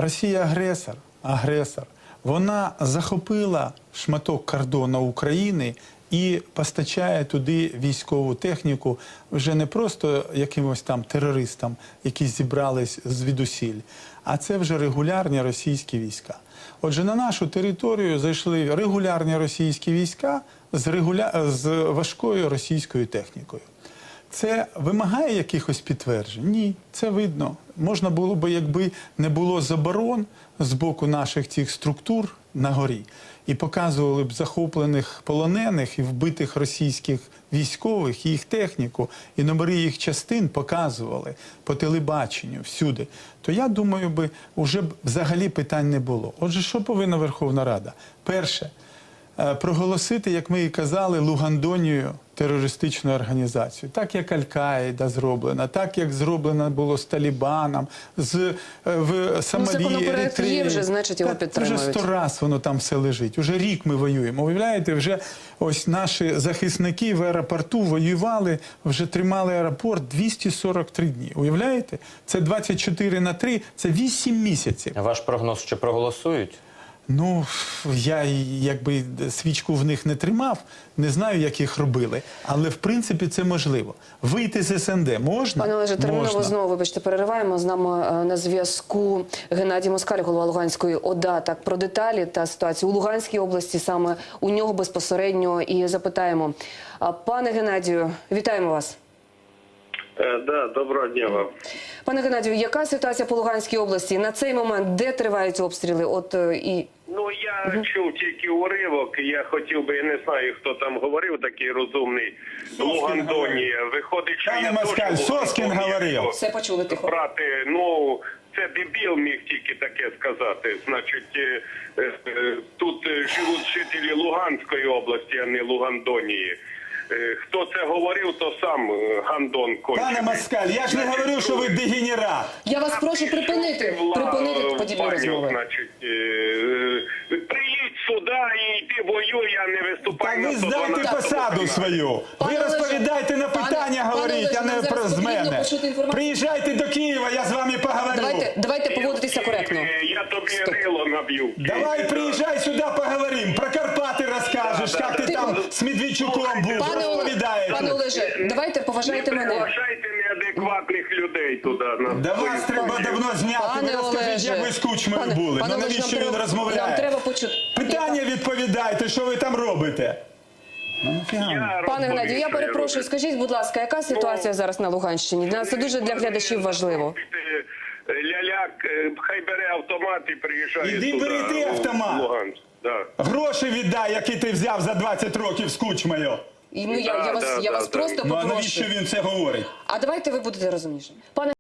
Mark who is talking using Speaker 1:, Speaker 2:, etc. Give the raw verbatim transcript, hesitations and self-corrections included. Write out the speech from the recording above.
Speaker 1: Росія агресор, агресор. Вона захопила шматок кордону України і постачає туди військову техніку вже не просто якимось там терористам, які зібрались звідусіль, а це вже регулярні російські війська. Отже, на нашу територію зайшли регулярні російські війська з, регуля... з важкою російською технікою. Це вимагає якихось підтверджень? Ні, це видно. Можна було б, якби не було заборон з боку наших цих структур на горі, і показували б захоплених полонених і вбитих російських військових, і їх техніку, і номери їх частин показували по телебаченню всюди, то я думаю, би вже б взагалі питань не було. Отже, що повинна Верховна Рада? Перше, проголосити, як ми і казали, Лугандонію терористичну організацію. Так, як Аль-Каїда зроблена, так, як зроблено було з Талібаном, з, в Сомалі,
Speaker 2: ну,
Speaker 1: Еритреї.
Speaker 2: Є вже, значить, його підтримують.
Speaker 1: Вже сто раз воно там все лежить. Уже рік ми воюємо. Уявляєте, вже ось наші захисники в аеропорту воювали, вже тримали аеропорт двісті сорок три дні. Уявляєте? Це двадцять чотири на три, це вісім місяців.
Speaker 3: А ваш прогноз, що проголосують?
Speaker 1: Ну, я якби свічку в них не тримав, не знаю, як їх робили, але в принципі це можливо. Вийти з ес ен де можна?
Speaker 2: Пане Олеже, терміново знову, вибачте, перериваємо. З нами на зв'язку Геннадій Москаль, голова Луганської ОДА. Так, про деталі та ситуацію у Луганській області, саме у нього безпосередньо і запитаємо. Пане Геннадію, вітаємо вас.
Speaker 4: Да, доброго дня вам.
Speaker 2: Пане Геннадію, яка ситуація по Луганській області? На цей момент де тривають обстріли? От і
Speaker 4: Ну, я угу. чув тільки уривок, я хотів би, я не знаю, хто там говорив, такий розумний, Лугандонія. Виходить, що
Speaker 1: Пане
Speaker 4: я
Speaker 1: Москаль, Соскін говорив.
Speaker 2: Все почули тихо.
Speaker 4: Брати, ну, це дебіл міг тільки таке сказати. Значить, е, е, тут живуть жителі Луганської області, а не Лугандонії. Хто це говорив, то сам гандон кончений.
Speaker 1: Пане Москаль, я ж не говорю, що ви дегенерат.
Speaker 2: Я вас прошу припинити, припинити подібні розмови.
Speaker 4: Значить, приїдь сюди і йди воюй, а не виступай на
Speaker 1: ви здайте посаду свою. Ви розповідайте на питання, говоріть, а не про з мене. Приїжджайте до Києва, я з вами поговорю.
Speaker 2: Давайте, давайте поводитися коректно.
Speaker 4: Я тобі рило наб'ю.
Speaker 1: Давай приїжджай сюди, поговоримо. Про Карпати розкажеш, як ти там з Медведчуком був.
Speaker 2: Пане Олеже, давайте поважайте мене.
Speaker 4: Не поважайте неадекватних людей туди.
Speaker 1: Да вас треба давно зняти. Ви розкажіть, як ви з Кучмою були. Ну навіщо він розмовляє?
Speaker 2: Нам треба почути.
Speaker 1: Питання відповідайте, що ви там робите?
Speaker 2: Пане Геннадію, я перепрошую, скажіть, будь ласка, яка ситуація зараз на Луганщині? Для нас це дуже для глядачів важливо.
Speaker 4: Ляляк, хай бере автомат і приїжджає
Speaker 1: Іди
Speaker 4: туди.
Speaker 1: бери ти автомат.
Speaker 4: Да.
Speaker 1: Гроші віддай, які ти взяв за двадцять років з Кучмою.
Speaker 2: І, ну, я, я вас,
Speaker 4: Да,
Speaker 2: я
Speaker 4: да,
Speaker 2: вас
Speaker 4: да,
Speaker 2: просто
Speaker 1: Ну а
Speaker 2: попрошу.
Speaker 1: навіщо він це говорить?
Speaker 2: А давайте ви будете розумнішим. Пане